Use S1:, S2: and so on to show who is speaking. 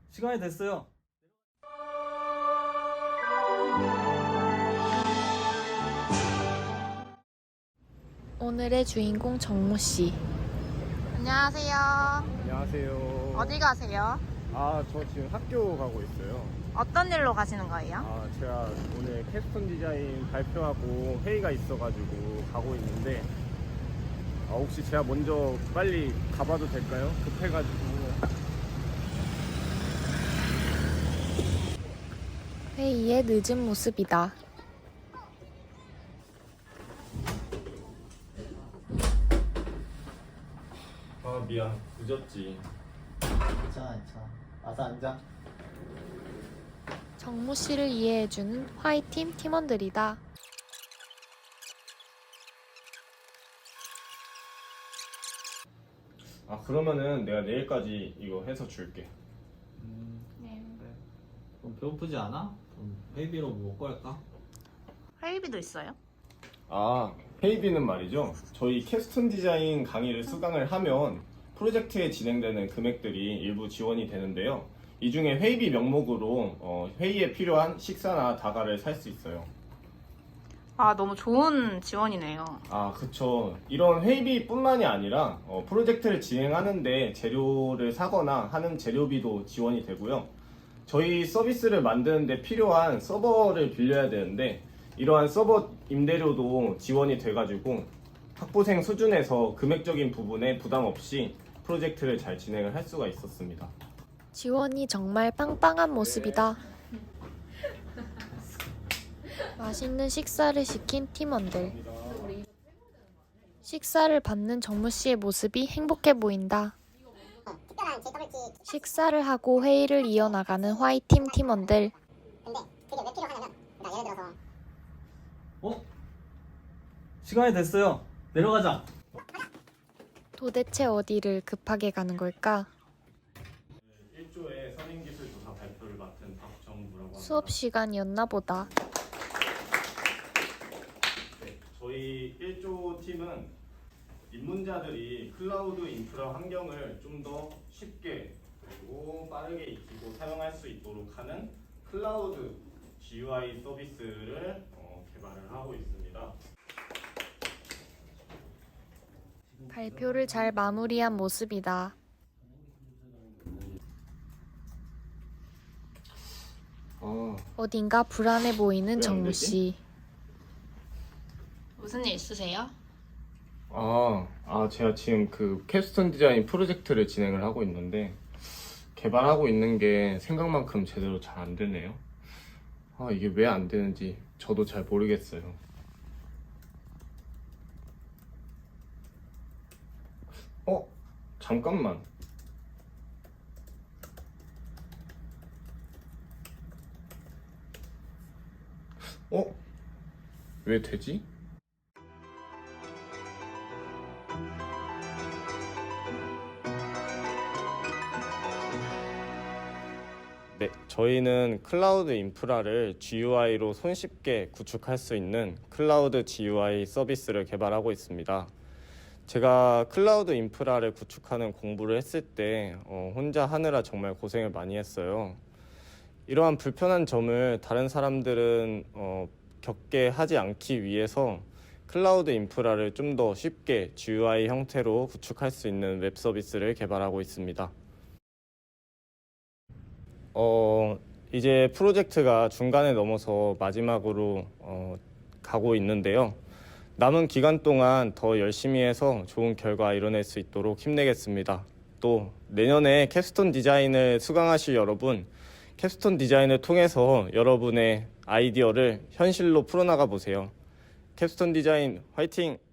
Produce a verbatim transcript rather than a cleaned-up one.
S1: 시간이 됐어요.
S2: 오늘의 주인공 정모 씨.
S3: 안녕하세요.
S4: 안녕하세요.
S3: 어디 가세요?
S4: 아, 저 지금 학교 가고 있어요.
S3: 어떤 일로 가시는 거예요?
S4: 아, 제가 오늘 캡스톤 디자인 발표하고 회의가 있어가지고 가고 있는데, 아, 혹시 제가 먼저 빨리 가봐도 될까요? 급해가지고.
S2: 회의에 늦은 모습이다.
S4: 아, 미안. 늦었지.
S5: 괜찮아, 괜찮아. 와서 앉아.
S2: 정모 씨를 이해해주는 화이팀 팀원들이다.
S4: 아, 그러면은 내가 내일까지 이거 해서 줄게.
S5: 음,
S3: 네.
S5: 그래. 그럼 배고프지 않아? 그럼 회비로 뭐 먹고 할까?
S3: 회의비도 있어요?
S4: 아, 회의비는 말이죠. 저희 캡스톤 디자인 강의를 수강을 하면 프로젝트에 진행되는 금액들이 일부 지원이 되는데요. 이 중에 회의비 명목으로 어, 회의에 필요한 식사나 다가를 살 수 있어요.
S3: 아, 너무 좋은 지원이네요.
S4: 아, 그쵸. 이런 회의비뿐만이 아니라 어, 프로젝트를 진행하는데 재료를 사거나 하는 재료비도 지원이 되고요. 저희 서비스를 만드는데 필요한 서버를 빌려야 되는데 이러한 서버 임대료도 지원이 돼가지고 학부생 수준에서 금액적인 부분에 부담 없이 프로젝트를 잘 진행을 할 수가 있었습니다.
S2: 지원이 정말 빵빵한 모습이다. 맛있는 식사를 시킨 팀원들. 식사를 받는 정모 씨의 모습이 행복해 보인다. 식사를 하고 회의를 이어나가는 화이팀 팀원들.
S6: 근데 그게 왜 필요하냐면 나 예를 들어서
S1: 어? 시간이 됐어요. 내려가자.
S2: 도대체 어디를 급하게 가는 걸까?
S4: 일 조의 선임기술조사 발표를 맡은 박정무라고 합니다.
S2: 수업 시간이었나 보다.
S4: 네, 저희 일 조 팀은 입문자들이 클라우드 인프라 환경을 좀 더 쉽게 그리고 빠르게 익히고 사용할 수 있도록 하는 클라우드 지유아이 서비스를 어, 개발을 하고 있습니다.
S2: 발표를 잘 마무리한 모습이다.
S4: 아,
S2: 어딘가 불안해 보이는
S4: 왜안
S2: 정모
S4: 되지?
S2: 씨.
S3: 무슨 일 있으세요?
S4: 아, 아, 제가 지금 그 캡스톤 디자인 프로젝트를 진행을 하고 있는데 개발하고 있는 게 생각만큼 제대로 잘 안 되네요. 아, 이게 왜 안 되는지 저도 잘 모르겠어요. 어? 잠깐만. 어? 왜 되지? 네, 저희는 클라우드 인프라를 지유아이로 손쉽게 구축할 수 있는 클라우드 지유아이 서비스를 개발하고 있습니다. 제가 클라우드 인프라를 구축하는 공부를 했을 때 어, 혼자 하느라 정말 고생을 많이 했어요. 이러한 불편한 점을 다른 사람들은 어, 겪게 하지 않기 위해서 클라우드 인프라를 좀 더 쉽게 지유아이 형태로 구축할 수 있는 웹 서비스를 개발하고 있습니다. 어, 이제 프로젝트가 중간에 넘어서 마지막으로 어, 가고 있는데요. 남은 기간 동안 더 열심히 해서 좋은 결과 이뤄낼 수 있도록 힘내겠습니다. 또 내년에 캡스톤 디자인을 수강하실 여러분, 캡스톤 디자인을 통해서 여러분의 아이디어를 현실로 풀어나가 보세요. 캡스톤 디자인 화이팅!